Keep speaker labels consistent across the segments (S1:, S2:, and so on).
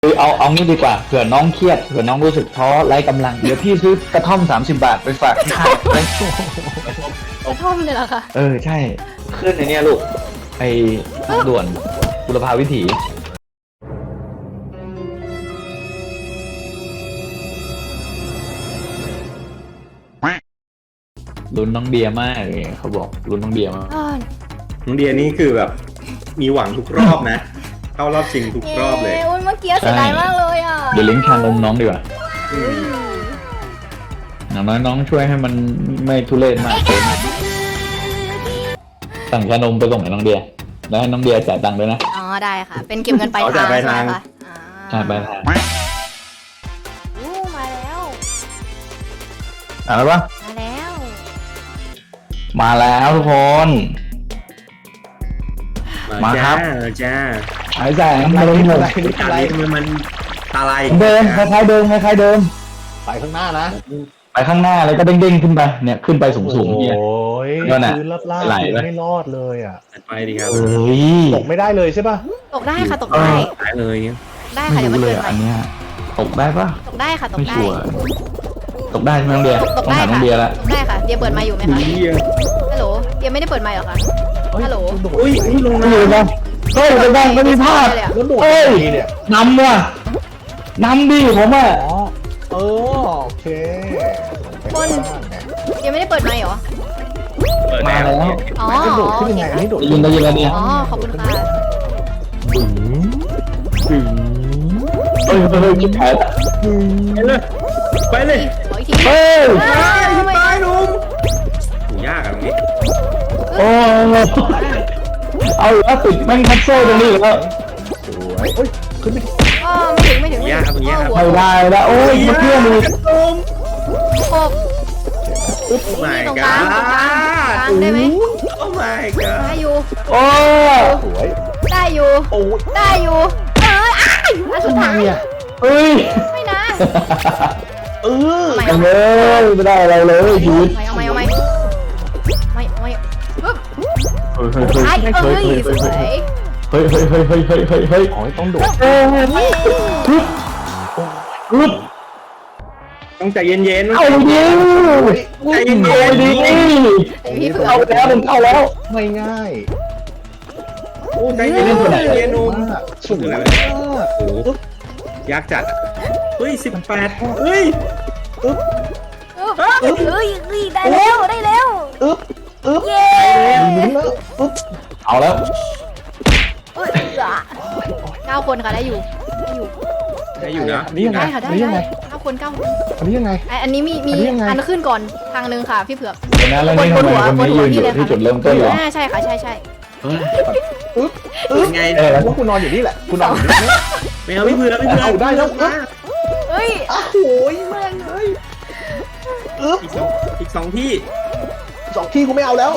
S1: เอางี้ดีกว่าเผื่อน้องเครียดเผื่อน้องรู้สึกท้อไร้กำลังเดี๋ยวพี่ซื้อกระท่อม30 บาทไปฝากที่ค่ายไป
S2: กระท่อมเลยเหรอคะ
S1: ใช่ขึ้นในเนี้ยลูกไอ้ทางด่วนบุรพาวิถีลุ้นน้องเบียร์มากเลยเขาบอกลุ้นน้องเบียร์มาก
S3: น้องเดียนี่คือแบบมีหวังทุกรอบนะ เข้ารอบชิงทุกรอบเลย
S2: เมื่อกี้เสียดายมากเลยอ่ะ
S1: เดี๋ยวเลี้ยงชานมน้องดีกว่าอย่างน้อยน้องช่วยให้มันไม่ทุเรศมากเกินสั่งชานมไปส่งให้น้องเดียแล้วให้น้องเดียจ่ายตังค์ด้วยนะ
S2: อ๋อได้ค่ะ เป็นเก็บเงินปลายทางใช่ไหมคะ
S1: จ่ายไปทาง
S2: มาแล้ว
S1: อะไรปะ
S2: มาแล้ว
S1: มาแล้วทุกคน มาครับ
S3: จ้า
S1: หายใจมาเลยหมด
S3: ตาลีทำไมมันตาลาย
S1: เดิมคล้ายๆเดิมคล้ายๆเดิม
S4: ไปข้างหน้านะ
S1: ไปข้างหน้าแล้วก็เด้งๆขึ้นไปเนี่ยขึ้นไปสูงๆเนี่ย
S4: โอ้ย
S1: นั่นน่ะ
S4: พื้นลาบ
S1: ไหล
S4: ๆ
S1: ไหม
S4: ไม่รอดเลยอ่ะ
S3: ไปดีครับ
S1: เอ้ย
S4: ตกไม่ได้เลยใช่ป่ะ
S2: ตกได้ค่ะตกได้
S3: ตายเลยเนี่ย
S2: ได้
S1: ไม่
S2: ค่ะเดี๋ยวมัน
S1: รู้เล
S2: เกิ
S1: ย
S2: นไป
S1: อันเนี้ยตกได้ปะ
S2: ตกได้ค่ะตก
S1: ไม่
S2: ได้
S1: ชัวร์ตกได้ใช่ไหมน้องเดีย
S2: ตก
S1: ต้อง
S2: ได้
S1: ถามน้อ
S2: ค่ะ
S1: งเดียละ
S2: ตกได้ค่ะเดียเปิดไมค์อยู่ไหมคะ
S3: เดีย
S2: ฮัลโหลเดียไม่ได้เปิดไมค์เหรอคะ
S4: เฮ้ย
S2: ฮัลโหล
S4: โดด
S3: อุ้ยลง
S1: ไม่
S3: น้
S1: รู้นะเฮ้ยไปบ้างไม่มีพลาด
S2: เลยอะ
S4: แล้วโดด
S1: เอ้ย
S4: ยังไงเนี่ย
S1: นำว่ะนำดิผมอ่ะ
S4: อ๋อเออโอเคไปข้างหน้าเนี่ย
S2: เดียไม่ได้เปิดไมค์เหรอ
S3: ำ
S1: มาแล้ว
S2: อ๋อ
S4: มันกระโดดขึ้นยังไงอันนี้โดด
S1: ได้ยินแล้วเนี่ย
S2: อ๋อขอบคุณค่ะ
S4: บึ้งบึ้ง
S1: เฮ้ยเฮ้ยจิ๊บแผล
S3: ไปเลย
S2: ขออีกที
S1: เฮ้ย
S2: ทำไม
S3: ตายลุงถูยากอะตรงนี้
S1: โอ้เอาแล้วติดแม่งคัสโซ่ตรงนี้แล้ว
S4: สวยเฮ้ยขึ้นไป
S2: อ๋อไม่ถึง
S3: ยากครับตรงนี้ครับ
S1: ไม่ได้แล้วโอ้ยมาเพื่อนเลย
S3: ลุง
S2: ครบ
S3: โอ้ my
S2: ตรงกลาง
S3: god
S2: ตรงกลางได้ไหม
S3: โอ้ my god
S2: ได้อยู่
S1: โอ้
S4: สวย
S2: ได้อยู่
S4: โอ้ย
S2: ได้อยู่อ้ายอันสุดท้าย
S4: เนี่ย
S1: เฮ้ย
S2: ไม่นะ
S4: เออ
S2: ไม่
S1: เอาเลยไม่ได้อะไรเลยชีวิต
S2: เอาไม่ไม่ปึ๊บ
S1: เฮ้ย
S2: ไอ้เอ้ยสวย
S1: เฮ้ยเฮ้ยเฮ้ยเฮ้ยเฮ้ยเฮ้ยเฮ้ย
S4: อ๋อต้องโดด
S1: เฮ้ยฮึบฮึบ
S3: ต้องใจเย็นๆ
S1: เอาดิ
S3: ใจเย็น
S1: เอาดิ
S2: พี่เผือ
S1: เอาแล้วมันเข้าแล้ว
S4: ไม่ง่าย
S3: โอ้ใจเย็นๆใจเย็นๆนุ่ม
S4: มากสวยมาก
S3: โอ้โหยากจัดอะเฮ้ย18เฮ้ย
S2: เอ้ยได้แล้วได้แล้ว
S4: อึ๊บอึ๊บ
S2: เย้
S4: ลุ้นแล้วอึ๊บ
S1: เอาแล้ว
S2: 9 คนค่ะได้อยู่ได้อยู่
S3: ได้อยู่นะ
S4: อันนี้ยังไง
S2: ได้ค่ะ
S4: อั
S2: ได้
S4: นนี้ยังไง
S2: ได้9 คน
S4: อันนี้ยังไง
S2: อันนี้มี
S4: อันนี้ยังไง
S2: อันขึ้นก่อนทางนึงค่ะพี่เผือก
S1: เดี๋ยวนะแล้วนี่ทำไมคนนี้ยืนอยู่ที่จุดเริ่มต้นเหรอ
S2: ใช่ค่ะใช่
S4: อึ๊บ
S3: เป็นไง
S4: ว่าคุณนอนอยู่นี่แหละคุณนอนอยู่นี่
S3: ไม่เอาไม่เผื่อไม่เผื่อ
S4: เอาได้แล้ว
S2: เฮ้ย
S4: โอ้โหแม่งเลยอึ๊บ
S3: อีกสองที่
S4: สองที่กูไม่เอาแล้ว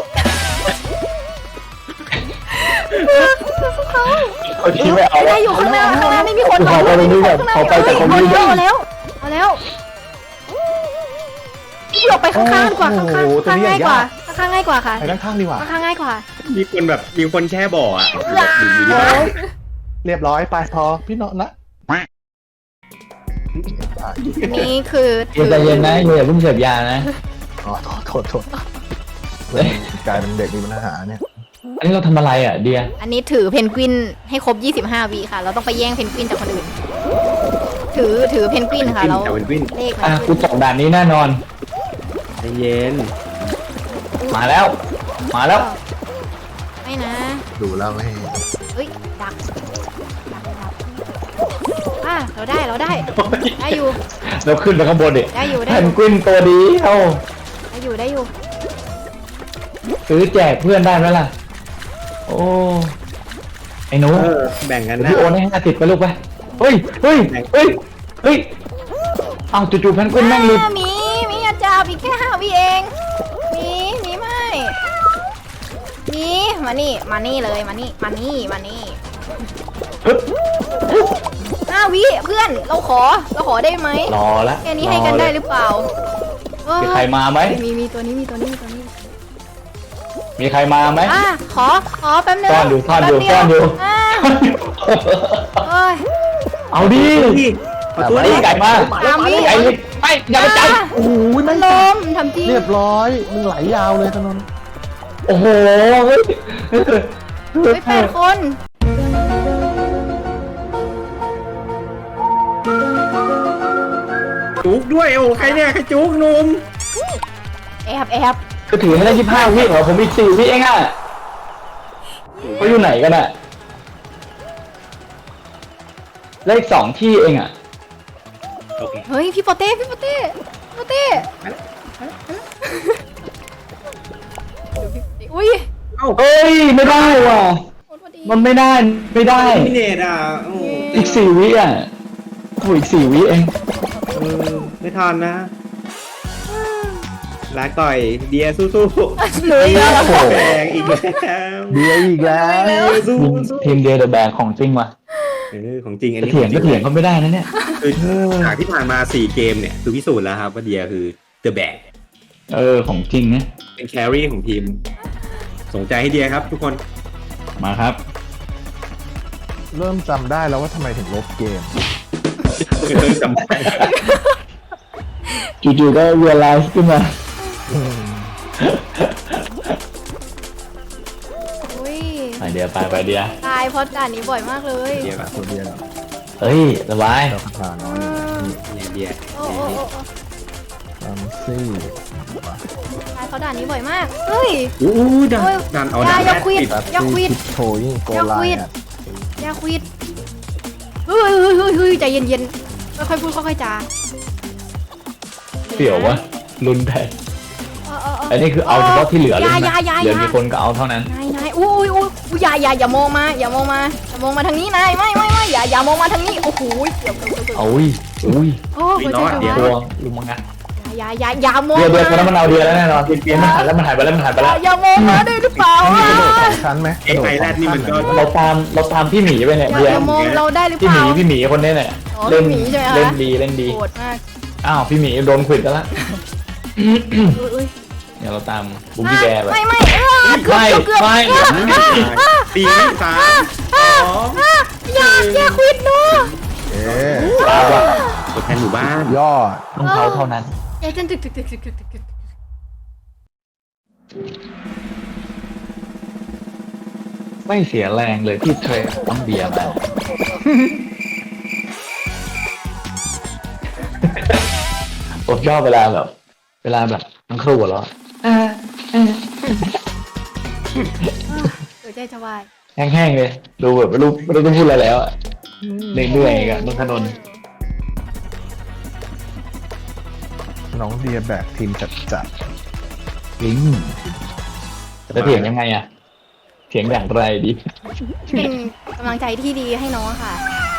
S1: เขาชี้ไม่เอา
S2: ได้อยู่ข้างหน้าไม่มีคน
S1: ขอไปตรงนี้ก่อนขอไปจากตรงนี้ก่อน
S2: เอาแล้วพี่เผือกไปข้างๆดีกว่าข้างง่ายกว่าข้างง่ายกว่าค่ะ
S4: ไปด้านข้างดีกว่า
S2: ข้างง่ายกว่า
S3: มีคนแช่บ่ออะอยู่ที่บ้าน
S4: เรียบร้อยไปพอพี่นอนนะ
S2: นี่คือ
S1: เย็นใจเย็นนะอย่าเพิ่งเสพยานะ
S4: อ๋อโทษกลายเป็นเด็กมีปัญหาเนี่ย
S1: อันนี้เราทำอะไรอ่ะเดีย
S2: อันนี้ถือเพนกวินให้ครบ25 วิค่ะ เราต้องไปแย่งเพนกวินจากคนอื่น ถือเพนกวินค่ะแล้ว
S3: แต่เป็นวิน
S2: เลข
S1: อ่ะ
S2: มัน
S1: กูตกด่านนี้แน่นอน
S3: ใจเย็น
S1: มาแล้ว มาแล้ว
S2: ไม่นะ
S4: ดูแล้วไม่
S2: เฮ้ยดักเราได้ได้อยู่
S1: เราขึ้นไปข้างบนดิ
S2: ได้อยู่
S1: แพนกวินตัวดีเอา
S2: ได้อยู่
S1: ซื้อแจกเพื่อนได้ไหมล่ะ โอ้ไอ้หนู
S3: แบ่งกัน
S1: เดี๋ยว
S3: นะ
S1: พี่โอนให้50ไปลูกไปเฮ้ยเอาจู่ๆแพนกวินแม่งรีบ
S2: มีอาจารย์อีกแค่5 วิเองมีไม่มีมานี่เลยมานี่
S1: ปึ๊บ
S2: 5 วิเพื่อนเราขอได้ไหม
S1: รอละ
S2: แค่นี้ให้กันได้หรือเปล่า
S1: มีใครมาไหม
S2: มีตัวนี้
S1: มีใครมาไหม
S2: ขอแป๊บนึง
S1: ซ่อนอยู่
S2: แป๊บเดีว
S1: ซ่อนอยู่
S2: เอ้ย
S1: เอาดิ
S3: ขอตัว
S1: ไอ้
S3: ดิ
S1: ไก่มา
S2: ตามพี่
S1: ไก่เลยไปอย่าไปจับ
S4: โอ้โห
S2: มั
S4: ไม่
S2: น
S4: ง
S2: ลมทำจริง
S4: เรียบร้อยมึงไหลยาวเลยถนน
S1: โอ้โหเฮ้ย
S2: เฮ้ย8 คน
S3: จุกด้วยโอ้ใครเนี่ยใครจุกหนุ่ม
S2: แอบ
S1: ก็ถือให้ได้25 วิเหรอผมอีก4 วิเองอ่ะเขาอยู่ไหนกันอ่ะเลข2 ที่เองอ่ะ
S3: โอเค
S2: เฮ้ยพี่โปเต้อุ้ย
S3: เอ้า
S1: เอ้ยไม่ได้ว่ะ
S2: โคตรพอดี
S1: มันไม่ได้
S3: พี่เนตอ่ะโอ้
S1: อีก4 วิอ่ะโอ้ยอีก4 วิเอง
S3: ไม่ทันนะลาก่อยเดียสู้
S2: หนูอีกแล้วเหรอ
S3: ๆแรงอีกแล้ว
S4: เบียร์อีกแล้ว
S3: สู้
S1: ทีมเดียร์เดอะแบงของจริงว่ะ
S3: ของจริงอัน
S1: จะ
S3: นี้
S1: เถียงก็เถียงเขาไม่ได้นะเนี่ย
S3: คือจากที่ผ่านมา4 เกมเนี่ยคือพิสูจน์แล้วครับว่าเดียคือเดอะแบก
S1: ของจริงนะ
S3: เป็นแครี่ของทีมสนใจให้เดียครับทุกคน
S1: มาครับ
S4: เริ่มจำได้แล้วว่าทำไมถึงลบเกม
S3: จำได้
S1: จู่ๆก็ realize ขึ้นมา
S2: อุ้ย
S1: ไปเดียไปเดีย
S2: ตายเพราะด่านนี้บ่อยมากเลย
S3: เดียแบบ
S4: ตัวเบียร์
S1: เฮ้ยสบาย
S4: เราผ่านน้อยอยู่นี่
S3: เดีย
S2: โอ้โอ้โอ้โอ้
S4: ตามซี่
S2: ตายเพราะด่านนี้บ่อยมากเฮ้ย
S3: อู้ดัน
S2: โอ้ย
S3: ดันเอา
S2: อย่า
S3: ดัน
S2: อย่าควิด
S3: ติด
S2: อย่าควิด
S4: โชยิ่งโกไลน์
S2: อย่าควิดเฮ้ยใจเย็นๆค่อยๆพูดค่อยๆจา
S1: เสี่ยววะรุนแรงอันนี้คือเอาเฉพาะที่เหลือเลยนะเหลือกี่คนก็เอาเท่านั้น
S2: นายอุ้ยอย่ามองมาทางนี้นายไม่อย่ามองมาทางนี้โอ้โหเกือบ
S1: อุ้ย
S2: โอ้หัวใจจะ
S1: เดี๋ยว
S2: วาย
S1: ลุงมังงะ
S2: อย่ามอง
S1: เดี๋ยวตอนนั้นมันเอาเดียแล้วแน่นอนเปลี่ยนมันหายแล้วมันหายไปแล้ว
S2: อย่ามองมาได้หรือเปล่า
S4: ไม่กระโดดสองชั้นไหมก
S3: ไอ้
S4: ระโดด
S3: ไอแรดนี่มันก็
S1: เราตามพี่หมีไปเนี่ย
S2: อ
S1: เดีย
S2: ย่ามองเราได้หรือเป
S1: พี่ห
S2: ล่า
S1: มีคนนี้เนี่ย
S2: อ๋อ
S1: เล่น
S2: พี่หมีใช่ไหมคะ
S1: เล่นดี
S2: โหดมาก
S1: อ้าวพี่หมีโดนขวิดแล้ว
S2: อุ้ย
S1: เดี๋ยวเราตามบุ้มพี่แกไป
S2: ไม่เกือบ
S1: ไม่
S3: ตีไม่ตายอ๋อ
S2: อย่าควิดหนู
S4: เอ๊ะ
S1: ตามว่ะ
S3: ตัวแทนหมู่บ้าน
S4: ยอด
S1: ต้องเขาเท่านั้น
S2: อย่าจนตึก
S1: ไม่เสียแรงเลยที่เทรนต้องเบียร์มาผมชอบเวลาแบบทั้งครูหัวเราะ
S2: หัวใจจะวาย
S1: แห้งๆเลยดูแบบไม่รู้ต้องพูดอะไรแล้วอะเหนื่อยๆกันนนทนนท์
S4: น้องเบียร์แบกทีมจัด
S1: ลิงจะเถียงยังไงอะเถียงอย่างไรดี
S2: เป็นกำลังใจที่ดีให้น้องค่ะ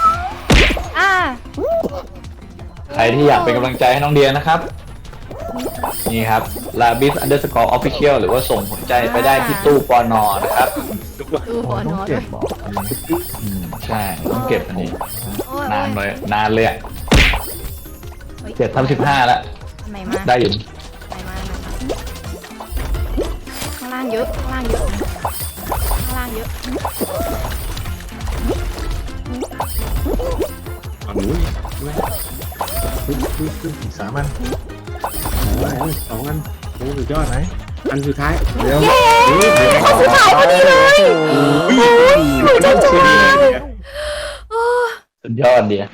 S1: ใครที่อยากเป็นกำลังใจให้น้องเดียนะครับ นี่ครับ labis_official หรือว่าส่งหัวใจไปได้ที่ตู้ปอนอนะครับ
S2: ดู
S4: ๆ
S2: หัว
S4: ต้
S2: น้
S4: อง
S2: อง
S4: เก็บบอก
S1: ใช่ต้องเก็บอันนี้
S2: โอ้ย
S1: นานเลยอะ7/15แล้ว
S2: ทำไมมา
S1: ได้อยู่
S2: ข้างล่างเยอะข้างล่างเยอะ
S3: ฝั่งนู้นด้วย
S4: อีก3 อัน
S3: 2 อันโอ้สุดยอด
S4: ไหน
S3: อันสุดท้าย
S4: เดี๋ยว
S2: คนสุดท้ายพอดีเลยหนูจะจบ
S1: สุดยอดเดีย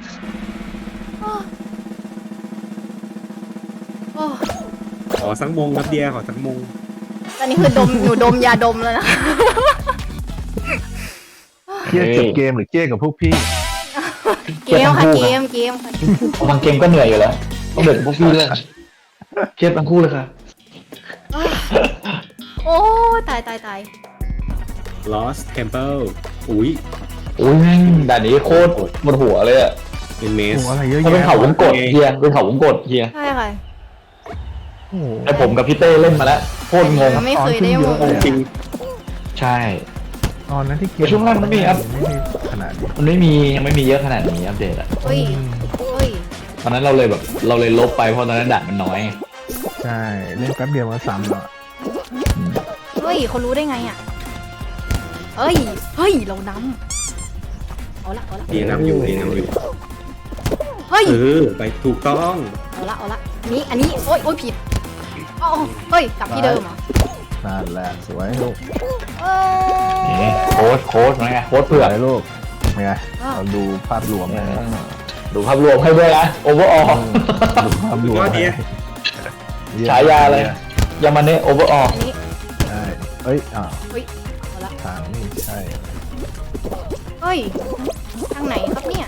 S3: ขอสักมงครับเดียขอสักมง
S2: ตอนนี้คือหนูดมยาดมแล้วนะ
S4: เครียดกับเกมหรือเครียดกับพวกพี่
S2: เกมค่ะเกมค่ะ
S1: บางเกมก็เหนื่อยอยู่แล้วต้องเดือดพวกพี่ด้วยเครียดทั้งคู่เลยค่ะ
S2: โอ้ตาย
S3: Lost Temple อุ้ย
S1: แม่งด่านนี้โคตรบนหัวเลยอะ
S3: เป็นเมส
S4: โอ้อะไรเยอะ
S1: ถ้าเป็น
S4: แยะ
S1: เขาวงกดเฮียเป็นเขาวงกดเฮีย
S2: ใช่ค่ะ
S4: โอ้โห
S1: แต่ผมกับพี่เต้เล่นมาแล้วโคตรงง
S2: ก็ไม่เคยได้มอง
S3: จริง
S1: ใช่
S4: ตอนนั้นที่เกม
S1: ช่วงแรกมันไม่มีครับ
S4: ไม่ได้ขนาดนี้
S1: มันยังไม่มีเยอะขนาดนี้อัปเดตอะ
S2: เฮ้ย
S1: ตอนนั้นเราเลยลบไปเพราะตอนนั้นด่านมันน้อย
S4: ใช่เล่นแป๊บเดียวมันซ้ำแล้ว
S2: เฮ้ยเขารู้ได้ไงอ่ะเฮ้ยเรานำเอาละ
S3: เดียนำอยู่
S2: ย
S3: ไปถูกต้อง
S2: เอาละอันนี้โอ๊ยผิดอ๋อเฮ้ยกลับที่เดิมเหรอ
S4: นั่นแหละสวยลูก
S2: เอ
S1: นี่
S2: อ
S1: โค้ดไงโค้ดเผื่อ
S4: สวยลูกเป็นไงเราดูภาพรวมนะ
S1: ดูภาพรวมให้ด้วยนะโอเวอร์ออล
S4: ดูภาพรวม
S3: ก็ดี
S1: ฉายาเลยยามาเน่โอเวอร์ออล
S2: อันนี้
S4: ใช่เอ้ยอ้าว
S2: เฮ้ยเอาละ
S4: ทางนี่ใช่
S2: เฮ้ยทางไหนครับเนี่ย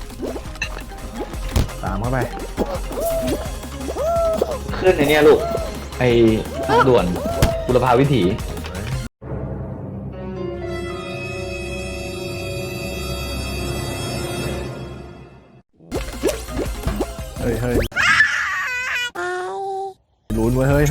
S4: ตามเข้าไป
S1: ขึ้นในเนี้ยลูกไอ้ทางด่วนบุรพาวิถี
S4: เฮ้ยลุ้นไว้เฮ้ย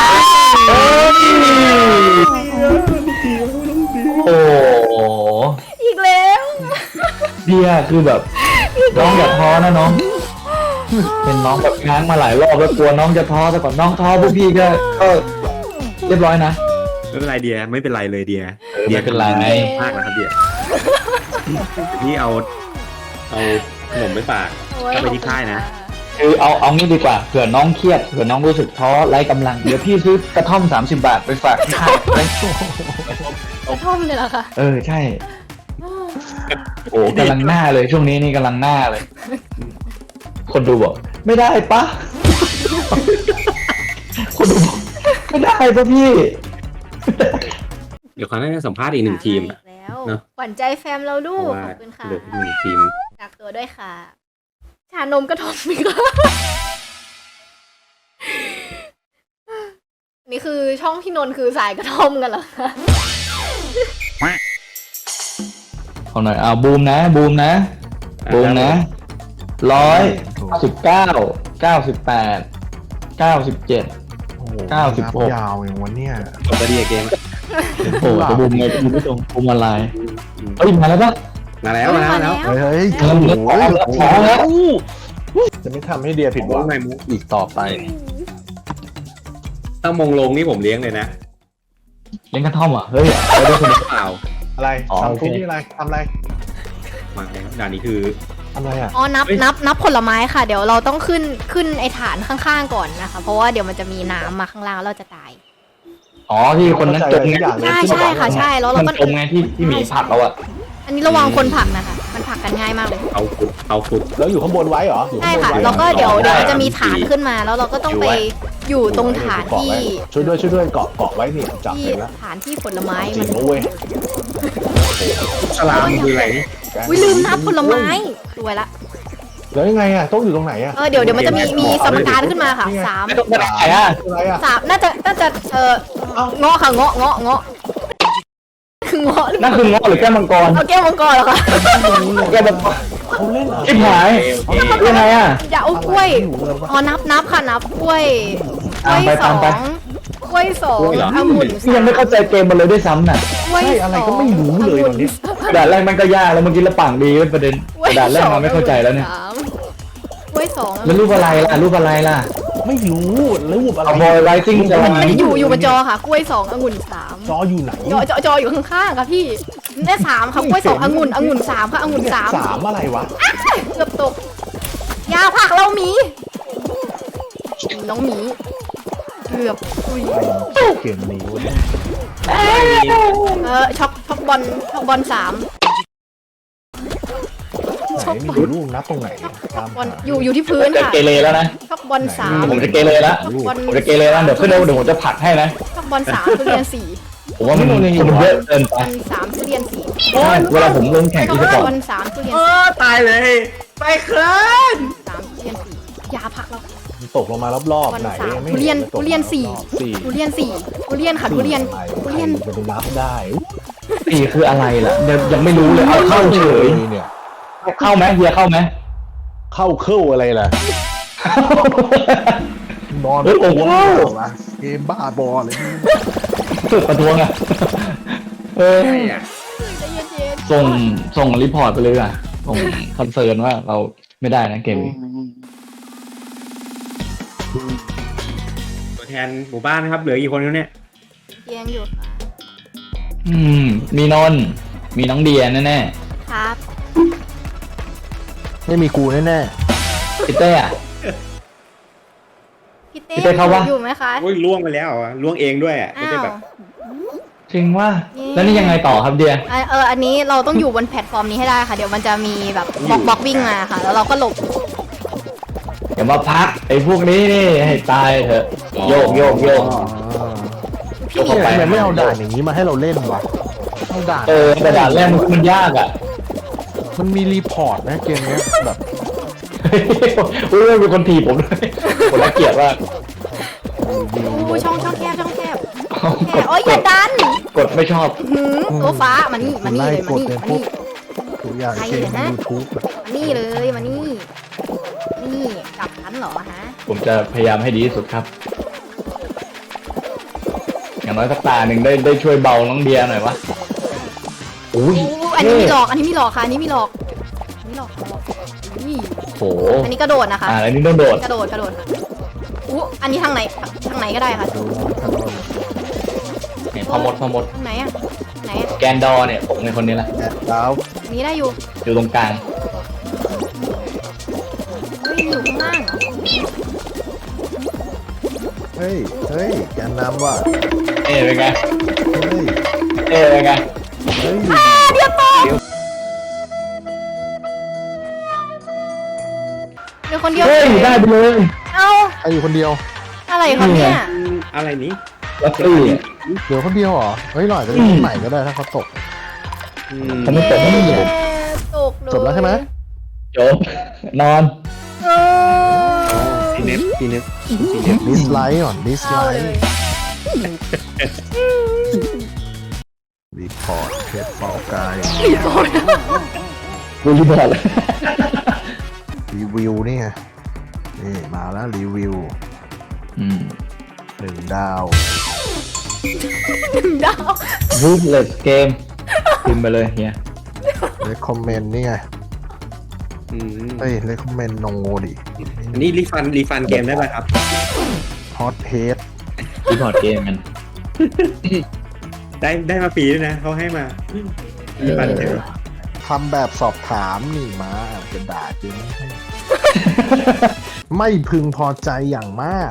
S1: โอ้โห
S2: อีกแล้ว
S1: เดียคือแบบน้องอย่าท้อนะน้อง เป็นน้องแบบง้างมาหลายรอบแล้วกลัวน้องจะท้อแต่ก่อนน้องท้อพวกพี่ก็เรียบร้อยนะ
S3: ไม่เป็นไรเดียไม่เป็นไรเลยเดีย
S1: ไม่เป็นไร
S3: มากนะครับเดียนี่เอาขนมไปฝาก ก็ไปที่ค่ายนะ
S1: คือเอางี้ดีกว่าเผื่อน้องเครียดเผื่อน้องรู้สึกท้อไร้กำลังเดี๋ยวพี่ซื้อกระท่อม30 บาทไปฝากที่ค่าย
S2: กระท่อมเลยเหรอคะ
S1: ใช่ โอ้กำลังหน้าเลยช่วงนี้นี่กำลังหน้าเลย คนดูบอกไม่ได้ปะ คนดูบอกไม่ได้ปะพี่
S3: เดี๋ยวเขาให้สัมภาษณ์อีกหนึ่งทีมอะ
S2: แล้ว
S3: เนอะ
S2: ขวัญใจแฟมเรา
S3: เพ
S2: ลู
S3: ราะ
S2: ก
S3: ว่า
S2: ขอบคุณค่ะ
S3: เหลืออีกหนึ่งทีม
S2: ฝากตัวด้วยค่ะ ชานมกระท่อมอีกแล้วนี่คือช่องพี่นนท์คือสายกระท่อมกันเหรอคะ
S1: เอาหน่อยบูมนะบูมนะ119 98 97
S4: โอ้โห
S1: 96
S4: ยาวอย่างวันเนี้ย
S3: จบไปดีเกม
S1: โอ้จะบูมไงคุณผู้ชมบูมอะไรเฮ้ยมาแล้วปะ
S3: มาแล้ว
S4: เฮ้ย
S1: เริ่มเลือกออกแล้วออกแล้ว
S4: จะไม่ทำให้เดียผิดหวัง
S3: ไงมุก
S4: อีกต่อไป
S3: ถ้ามงลงนี่ผมเลี้ยงเลยนะ
S1: เล่นกระท่อมอ่ะเฮ้ยเอาด้วยคน
S3: เปล่า
S4: อะไร
S1: อ๋อ
S4: ทำ
S1: โอเค
S4: ทุกที่อะไรทำอะไร
S3: มาแล้วด่านนี้คือ
S4: ทำอะไรอ่ะ
S2: อ๋อนับผลไม้ค่ะ เดี๋ยวเราต้องขึ้นไอ้ฐานข้างๆก่อนนะคะ เพราะว่าเดี๋ยวมันจะมีน้ำมาข้างล่างแล้วเราจะตาย
S1: อ๋อที่คนนั้นจมไง
S2: ใช่ค่ะใช่แล้วเรา
S1: มัน
S2: ก็
S1: จมไงที่หมีผักเราอ่ะ
S2: อันนี้ระวังคนผลักนะคะ มันผลักกันง่ายมากเลย
S3: เอาขุด
S4: แล้วอยู่ข้างบนไว้เหรออยู่
S2: ใช่
S4: ข้างบน
S2: ค่ะ
S4: ไว้
S2: แล้วก็เดี๋ยว
S1: ได้
S2: มันจะมีฐานขึ้นมา แล้วเราก็ต้องไปอยู่ตรงฐานที่
S4: ช่วยด้วยเกาะไว้นี่จับ
S2: ที่
S4: เลยนะ
S2: ฐานที่ผลไม้
S4: จริ
S2: มั
S4: ง
S2: น
S4: นะเว้ย
S3: สลามคืออะไรนี่
S2: อุ้ยลืมนับผลไม้สวยละ
S4: แล้วยังไงอ่ะต้องอยู่ตรงไหนอ่ะ
S2: เดี๋ยวมันจะมีสมการขึ้นมาค่ะสาม
S1: ไม่ต้องไปไหนอ่ะ
S4: อะไรอ่ะ
S2: สามน่าจะเงาะค่ะเงาะคือเงาะหรือเป
S1: นั่
S2: ล่าน
S1: คือเงาะหรือแก้วมังกร
S2: เอาแก้วมังกรเหรอคะ
S1: แก้วมังกร
S4: เขาเล่นอะไร
S1: ชิบหายยังไงอ่ะ
S2: อย่าเอากล้วยอ๋อนับค่ะนับกล้วยกล้วยสองกล้วยสององุ่น
S1: พี่ยังไม่เข้าใจเกมมันเลยด้วยซ้ำน่ะ
S2: กล้วย
S4: ใช่อะไรก็ไม่รู้เลยตอนนี้
S1: กระดาษแรกมันก็ยากแล้วเมื่อกี้ละปังดีเป็นประเด็นกระดาษแรกมันไม่เข้าใจแล้วเนี่ย
S2: กล้วยสอง
S1: แล้วรูปอะไรล่ะ
S4: ไม่รู้รูปอะไร
S1: เอาบอยไรซิ่งจะ
S2: มันอยู่บนจอค่ะกล้วยสององุ่นสาม
S4: จออยู่ไหน
S2: จออยู่ข้างๆค่ะพี่ได้สามค่ะกล้วยสององุ่นสามค่ะองุ่นสาม
S4: สามอะไรวะ
S2: เกือบตกยาผักเราหมีน้องหมีเกือบอุ้ย
S4: เกมนี้เว้ย
S2: ช็อกบอลสาม
S4: ไหนมีรูปนับตรงไหนตาม
S2: บอลอยู่ที่พื้น
S1: จะ
S2: ค่ะ
S1: เกเรแล้วนะ
S2: ช็อกบอลสาม
S1: ผมจะเกเรแล้วผมจะเกเรแล้วเดี๋ยวขึ้นเดี๋ยวผมจะผลักให้นะ
S2: ช็อกบอลสามทุเรียนสี่
S1: ผมว่ามันเยอะเกินไป
S2: บอลสามทุเรียนสี่
S1: ใช่เวลาผมลงแข่ง
S2: ช็
S1: อี
S2: อก
S1: สปอร์
S2: บอ
S1: ต
S2: ลสามทุเรียน
S3: ตายเลยไปเคลื่อน
S2: สามทุเรียนสี่ยาผักเรา
S4: ตกลงมารอบๆไหน
S2: ทุเรียนสี่ทุเรียนค่ะทุเรียน
S4: จะไปนับได้
S1: สี่คืออะไรล่ะเดี๋ยวยังไม่รู้เลยเอาเข้าเฉย
S4: เนี่ย
S1: เข้าไหมเฮียเข้าไหม
S4: เข้าอะไรล่ะนอนเกมบ้าบอเลย
S1: ฝึกประท้วงอ่ะ
S2: ใจเย็น
S1: ส่งรีพอร์ตไปเลยอ่ะส่งคอนเซิร์นว่าเราไม่ได้นะเกมนี้
S3: ตัวแทนหมู่บ้านนะครับเหลือกี่คนแล้วเนี่ย
S2: ๆเตียงอยู่ค่ะ
S1: มีนนท์มีน้องเดียแน่
S2: ครับ
S4: ไม่มีกูแน่
S1: พี่เต้อะ
S2: พี่เต้
S1: พี่เต้เข้าวะ
S2: อยู่ไหมคะ
S3: โอ้ยล่วงไปแล้วอ่ะล่วงเองด้วยอ่ะไม่
S2: อ้า
S3: ได้
S2: ว
S3: แบบ
S1: จริงว่า
S2: เย้
S1: แล้วนี่ยังไงต่อครับเดีย
S2: อันนี้เราต้องอยู่บนแพลตฟอร์มนี้ให้ได้ค่ะ เดี๋ยวมันจะมีแบบบล็อกวิ่งมาค่ะ แล้วเราก็หลบ
S1: อย่ามาพักไอ้พวกนี้นี่ให้ตายเถอะโยกโยกโยก
S2: พี่หมี
S1: เข้าไป
S4: ทำไมไม่เอาด่านอย่างนี้มาให้เราเล่นวะเอาด่าน
S1: แต่ด่านแรกมันยากอ่ะ
S4: มันมีรีพอร์ตนะเกมเนี้ยแบบ
S1: อุ้ยมีคนถีบผมด้วยคนละเกียดว่าก
S2: อู้ช่องแคบแคบโอ้ยอย่าดัน
S1: กดไม่ชอบ
S2: หืมตัวฟ้ามานี่เลย
S4: ไล่
S2: มาก
S4: ด
S2: นี่
S4: ใน
S2: มา
S4: พว
S2: นี่
S4: กตัวอย่างเกมใน YouTube อะ
S2: มานี่เลยมานี่นี่กลับทันเหรอฮะ
S1: ผมจะพยายามให้ดีที่สุดครับ อย่างน้อยสักตาหนึ่งได้ช่วยเบาน้องเดียหน่อยวะอุ้ย
S2: อู้อันนี้มีหลอกอันนี้มีหลอกค่ะอันนี้มีหลอกอันนี้หลอกนี่
S1: โห
S2: อันนี้กระโดดนะคะ
S1: อันนี้ต้องโดด
S2: กระโดดค่ะอู้อันนี้ทางไหนก็ได้ค่ะ
S4: ดูถนน
S1: เนี่ยพอหมด
S2: ทางไหนอะไหนอะ
S1: แกนดอร์เนี่ยผมเป็นคนนี้แหละ
S4: แอดดาว
S2: อันนี้ได้อยู่
S1: อยู่ตรงกลาง
S2: เฮ้ยอยู่ข้างล่างเหรอ
S4: เฮ้ยแกนนำว่ะ
S1: เป็นไง
S4: เฮ้ย
S1: เป็นไง
S4: เฮ้ย
S2: เดี๋ยวตกเดี๋ยวคนเดียว
S1: เฮ้ยได้ไปเลย
S2: เอา
S4: ใครอยู่คนเดียว
S2: อะไรครับเนี่ย
S3: อะไรนี้
S1: ลัตตี้
S4: เดี๋ยวคนเดียวเหรอเฮ้ยหน่อยจะเล่นคนใหม่ก็ได้ถ้าเขาตก
S1: ผมไม่ตกไม่มีเลย
S2: ตกเลย
S4: จบแล้วใช่ไหม
S1: จบนอน
S2: เออ
S3: ซีเนฟ
S4: ดิสไลค์ก่อนดิสไล
S2: เอาเลย
S4: ค์รีพอร์ตเพจเป่ากาย
S1: กูรีบอร์ดเลย
S4: รีวิวนี่ไงนี่มาแล้วรีวิว 1 ดาว
S2: ดาว
S1: รูทเลสเกมพิมพ์ไปเลยเฮีย
S4: เลคคอมเมนต์นี่ไงเฮ้ยเลคคอมเมนต์นงโง่ดิ
S3: อันนี้รีฟันเกมได้ป่ะครับ
S4: ฮอตเฮด
S1: รีพอร์ตเกมกัน
S3: ได้มาฟรีด้วยนะเขาให้มารีฟันเกม
S4: ทำแบบสอบถามนี่มาจะด่าจริงให้ ไม่พึงพอใจอย่างมาก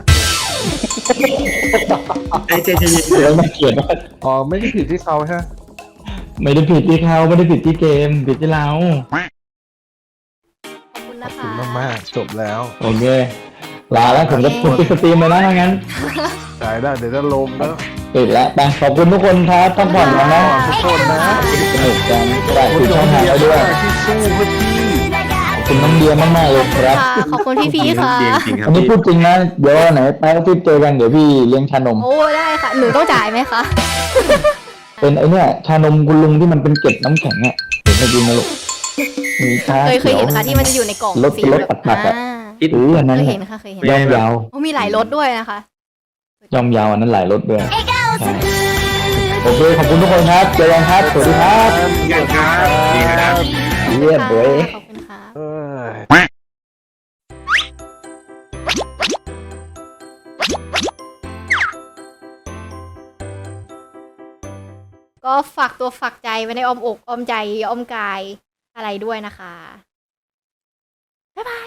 S3: ไอ้เจเจ
S1: เดี๋ยวมาเขียนว่า
S4: อ๋อไม่ได้ผิดที่เขาใช่ไหม
S1: ไม่ได้ผิดที่เขาไม่ได้ผิดที่เกมผิดที่เรา
S2: ขอบคุณ
S4: ข
S2: นะ
S4: อบคุ
S2: คะ
S4: ณมากๆจบแล้ว
S1: โอเคลาแล้วผมจะปิดสตรีมเลยนะถ้างั้น
S4: ได้เดี๋ยวจะลงแล้ว
S1: ปิดแล้วไปขอบคุณทุกคนครับพักผ่อนกันนะ
S4: ทุกคนนะ
S1: สนุกกันฝากคุณช่องทางไว้ด้วย
S4: ที่สู้เพื่อพี่
S1: ขอบคุณน้องเดียมากๆเลยครับ
S2: ขอบคุณพี่ๆค่ะ
S3: จริงๆครับ
S1: อันนี้พูดจริงนะเดี๋ยววันไหนไปออฟฟิศเจอกันเดี๋ยวพี่เลี้ยงชานม
S2: โอ้ได้ค่ะ หนูต้องจ่ายไหมคะ
S1: เป็นไอเนี่ยชานมคุณลุงที่มันเป็นเกล็ดน้ำแข็งอ่ะเห็นไหมกินนะลูกมีชา
S2: เคยเห็นค่ะที่มันจะอยู่ในกล่อง
S1: รถ
S2: สี
S1: รถ
S2: แบบ
S1: ปัดๆอะ
S2: อ่า
S1: หรืออันนั้น
S2: เคย
S1: แห
S2: เห็
S1: ละ
S2: นค่ะเคยเห็น
S1: ย่อมยาว
S2: โอ้มีหลายรสด้วยนะคะ
S1: ย่อมยาวอันนั้นหลายรถด้วยใช่โอเคขอบคุณทุกคนครับเจอกันครับสวัสดีครับ
S3: อย่างครับดีครับ
S1: เยี่ยมเว้ย
S2: ขอบคุณค่ะ
S4: เอ้ย
S2: ก็ฝากตัวฝากใจไว้ในอ้อมอกอ้อมใจอ้อมกายอะไรด้วยนะคะ บ๊ายบาย